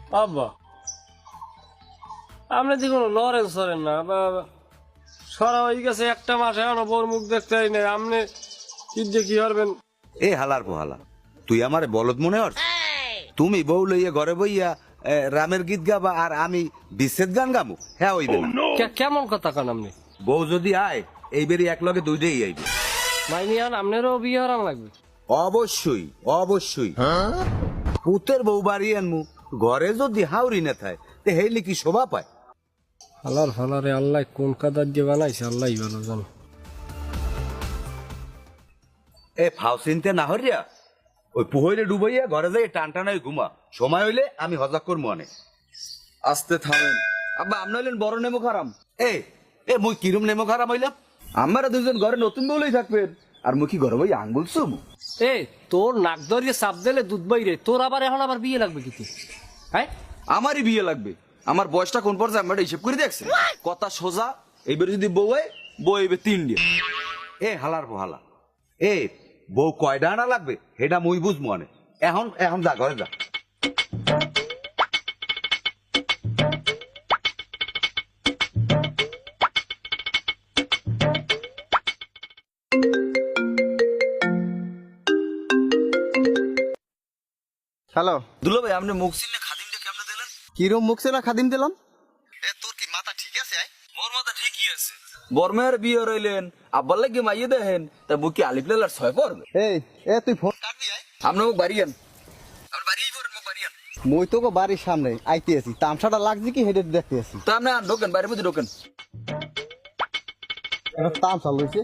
আব্বা আপনি যে কোনো লড়েন সরেন না সরা হয়ে গেছে একটা মাস এখনো বউর মুখ দেখতে হয় না, আপনি কি দিয়ে কি করবেন? এ হালার পোহালা, তুই আমারে বলদ মনে হর? তুমি বউ লইয়া ঘরে বইয়া রামের গীত গাবা আর আমি বিচ্ছেদ গান গাবো? হ্যাঁ হইবে না। কেমন কথা কান আপনি? বউ যদি আয় এইবারই এক লগে দুইটাই আইবে। মাইনিয়ান আপনারও বিয়ে হারাম লাগবে। অবশ্যই অবশ্যই। পুতের বউ বাড়ি আনমু, ঘরে যদি হাউরি না থাকে তে হেইলি কি শোভা পায়? হালার ফালারে আল্লাহ কোন কাদার দিয়ে বানাইছে আল্লাহ ভালো জানো। এ ফাও চিনতে না হরিয়া ওই পুহইলে ডুবাইয়া ঘরে যাই টান টানাই ঘুমা, সময় হইলে আমি হজা করবো অনেক। আস্তে থামেন আব্বা, আপনি হইলেন বড় নেমো খারাম। এ এ মুই কিরম নেমো খারাপ হইলাম? আমরা দুজন ঘরে নতুন বলেই থাকবেন আর মুখি ঘরে বই আঙ্গুল চুমু। এ তোর নাক ধরিয়ে চাপ দিলে দুধ বাইরে, তোর আবার এখন আবার বিয়ে লাগবে কিছু? হ্যাঁ আমারই বিয়ে লাগবে। আমার বয়সটা কোন পর্যায়ে আমরা হিসেব করে দেখছি। কথা সোজা, এইবার যদি বউ হয় বউ এইবে 3 দিয়ে। এ হালার পোহালা, এ বউ কয়টা আনা লাগবে সেটা মুই বুঝবো অনেক। এখন এখন যা ঘরে যা। হ্যালো দুলো ভাই, আপনি মুখ চিনলে খাদিমটা কেমনে দিলেন? কিরম মুখ না খাদিম দিলাম? তোর কি মাথা ঠিক আছে? মোর মাথা ঠিকই আছে। বর্মের বিয়ে রইলেন, আব্বার লাগে মাইয়ে দেখেন, তা বুকি আলিফ লালার 6 পড়বে। এই এ তুই ফোন কাটবি? আপনি মুখ বাড়িয়েন, আপনি বাড়িয়েই পড়েন, মুখ বাড়িয়েন। মই তোকে বাড়ির সামনে আইতে আছি, তামসাটা লাগছে কি হেডে দেখতে আছি। তা আপনি ঢোকেন, বাড়ির মধ্যে ঢোকেন। তামসা লইছে।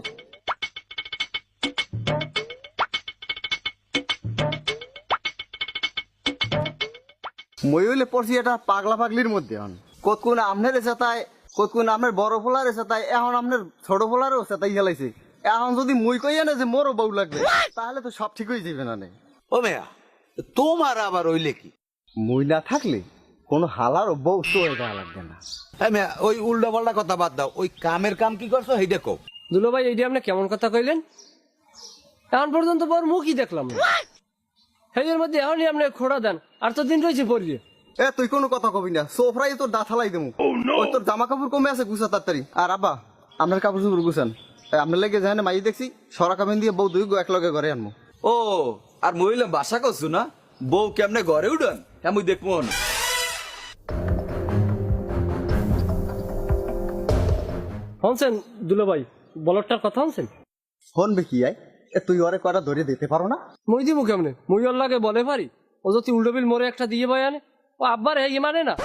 মই হইলে পড়ছি এটা পাগলা পাগলির মধ্যে। এখন কত কোন আপনার এসে তাই, কত কোন আপনার বড় ফোলার এসে তাই, এখন আপনার ছোট ফোলারও এসে তাই খেলাইছে। এখন যদি মই কইয়া না যে মোরও বউ লাগবে, তাহলে তো সব ঠিক হয়ে যাবে না। ও মেয়া, তোমার আবার হইলে কি? মই না থাকলে কোনো হালারও বউ তো এটা লাগবে না। হ্যাঁ মেয়া, ওই উল্টা পাল্টা কথা বাদ দাও, ওই কামের কাম কি করছো সেইটা কও। দুলো ভাই এইটা আপনি কেমন কথা কইলেন? এখন পর্যন্ত বড় মুখই দেখলাম না, সেই মধ্যে এখনই আপনি খোড়া দেন আর তো দিন রয়েছে পড়িয়ে। এ তুই কোনো কথা কবি না, সোফরাই তোর দাঁথালাই দেবো। ওই তোর জামা কাপড় কমে আছে, গুছা তাড়াতাড়ি। আর আব্বা আপনার কাপড় চোপড় গুছান। আপনার লেগে যায় না মাই দেখছি সরা কামিন দিয়ে বউ দুই এক লগে ঘরে আনবো। ও আর মহিলা বাসা করছো না, বউ কেমনে ঘরে উঠান হ্যাঁ মুই দেখবো না। শুনছেন দুলো ভাই, বলটার কথা শুনছেন? ফোন কি আয়? এ তুই ওরে কটা ধরে দিতে পারো না? মই দিব কেমনে? মই ওর লাগে বলে পারি? ও যদি উল্টো বিল মোরে একটা দিয়ে বয় আনে, ও আব্বার এই মানে না।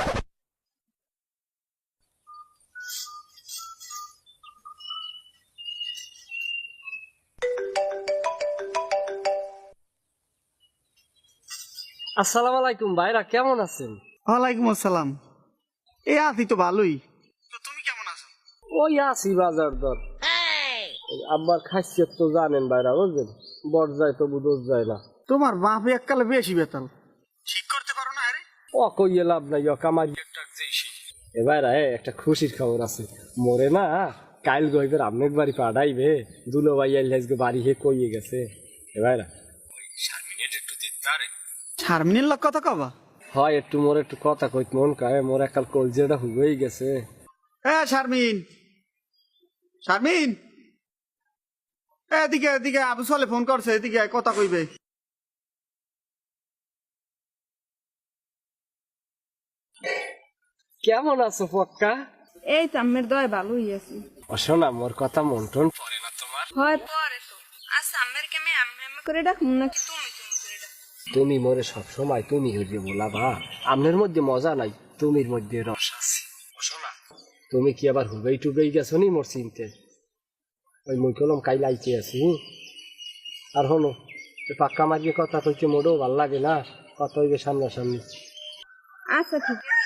আসসালামু আলাইকুম ভাইরা, কেমন আছেন? ওয়ালাইকুম আসসালাম। এ আছি তো ভালোই। তো তুমি কেমন আছো? ওই আছি বাজার দর। আব্বার খাসিয়ত তো জানেন ভাইরা, বুঝলেন? বর যায় তবু দোষ যায় না। তোমার বাপ এককালে বেশি বেতাল, ঠিক করতে পারো না? আরে ও কইয়ে লাভ নাই, ও কামাই একটা যেছি। এ ভাইরা একটা খুশির খবর আছে, মোরে না কাইল গইবের আমনেক বাড়ি পাঠাইবে। দুলো ভাই আইলে আজকে বাড়ি হে কইয়ে গেছে। এ ভাইরা ওই শারমিনের একটু দেখতে আরে। শারমিনের লোক কথা কবা? হয় একটু মোর একটু কথা কইত মন কায়, মোর একাল কলজেটা হুবেই গেছে। এ শারমিন, শারমিন এদিকে এদিকে, আবু সালে ফোন করছে, এদিকে আয়, কথা কইবে। কেমন আছো পক্কা? এই তো আম্মের দয় ভালোই আছি। ও শোনা, মোর কথা মন টন পড়ে না তোমার? হয় পরে তো। আচ্ছা আম্মের কে আমি আম্মে আম্মে করে ডাকবো নাকি তুমি তুমি করে ডাকবো? তুমি মোরে সবসময় তুমি হইলে বলাবা, আমনের মধ্যে মজা নাই, তুমির মধ্যে রস আছে। ও শোনা, তুমি কি আবার হুবেই টুবেই গেছো নি মোর চিনতে? ওই মুই কলম কাইল আইতে আছি। আর হনো, পাক্কা মারিয়ে কথা কইতে মোড়েও ভাল লাগে না, কথা হইবে সামনাসামনি। আচ্ছা ঠিক আছে।